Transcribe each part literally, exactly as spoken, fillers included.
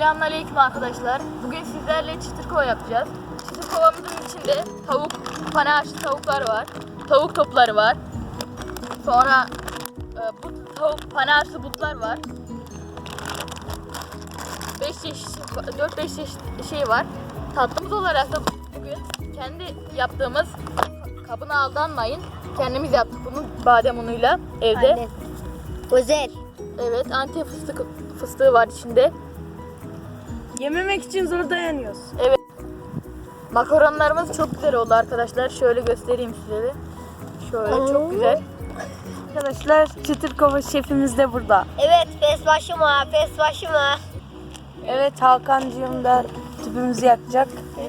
Selamünaleyküm arkadaşlar. Bugün sizlerle çıtır kova yapacağız. Çıtır kovamızın içinde tavuk, pane haşlı tavuklar var. Tavuk topları var. Sonra e, but, tavuk, pane haşlı butlar var. beş çeşit, dört beş çeşit şey var. Tatlımız olarak da bugün kendi yaptığımız, kabına aldanmayın. Kendimiz yaptık bunu badem unuyla evde. Aynen. Özel. Evet, Antep fıstık fıstığı var içinde. Yememek için zor dayanıyoruz. Evet. Makaronlarımız çok güzel oldu arkadaşlar. Şöyle göstereyim size de. Şöyle çok güzel. Arkadaşlar çıtır kova şefimiz de burada. Evet, pes başıma, pes başıma. Evet, Hakan'cığım da tüpümüzü yakacak.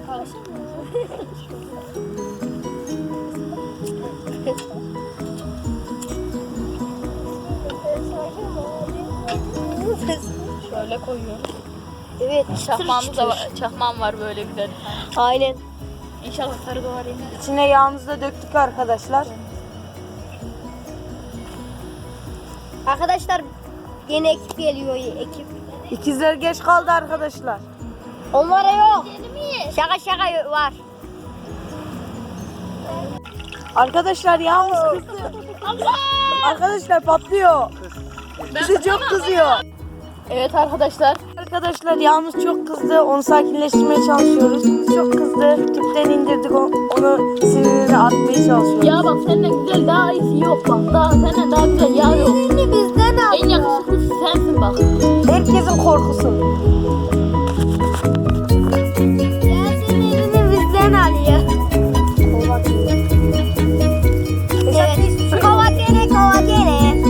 Şöyle koyuyorum. Evet, Çakmağımız da var. Çakmağım var böyle güzel. Aynen. İnşallah sarı doğar yine. İçine yağımızı da döktük arkadaşlar. Arkadaşlar yeni ekip geliyor, ekip. İkizler geç kaldı arkadaşlar. Onlara yok. Şaka şaka var. Arkadaşlar yağımız kızdı. Arkadaşlar patlıyor. Bize çok kızıyor. Evet arkadaşlar. Arkadaşlar yağımız çok kızdı. Onu sakinleştirmeye çalışıyoruz. Çok kızdı. Tüpten indirdik. o- Onu sinirini atmaya çalışıyoruz. Ya bak senden güzel daha iyisi yok bak. Daha senden daha güzel yağ yok. Seni bizden al. En yakışıklısı sensin bak. Herkesin korkusu. Gelsin elini bizden alıyor. Evet. Kova gene, kova gene.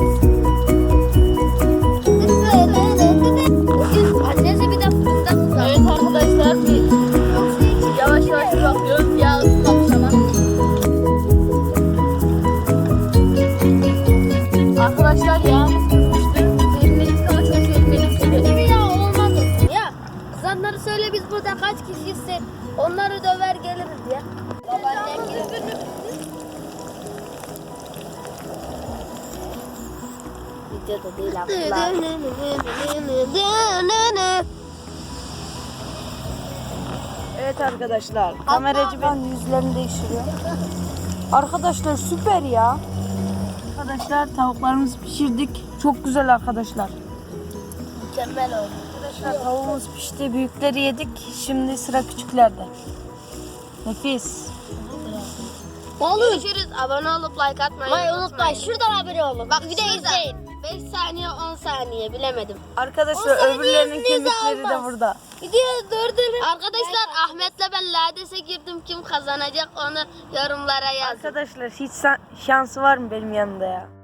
Annesi bir de fıstık. Evet arkadaşlar. Bir yavaş yavaş bakıyoruz. Yağ ısınmamış ama. Arkadaşlar yağımız kızmıştı. Sevmedik ama çok sevmedik. Gibi ya olmaz olsun ya. Kızanları söyle biz burada kaç kişiyiz, onları döver geliriz ya. Babaannem gibi. Videoda değil abla. Evet arkadaşlar. Kameracı ben yüzlerini değiştiriyor. Arkadaşlar süper ya. Arkadaşlar tavuklarımızı pişirdik. Çok güzel arkadaşlar. Mükemmel oldu. Arkadaşlar tavuğumuz pişti. Büyükleri yedik. Şimdi sıra küçüklerde. Nefis. Görüşürüz. Abone olup like atmayı unutmayın. Şuradan abone olun. Bak bir de izleyin. beş saniye on saniye bilemedim. Arkadaşlar O saniye öbürlerinin izninizi kemikleri de almaz. burada. Video dördünü. Arkadaşlar Ahmet'le ben Lades'e girdim. Kim kazanacak onu yorumlara yazın. Arkadaşlar hiç sa- şansı var mı benim yanımda ya?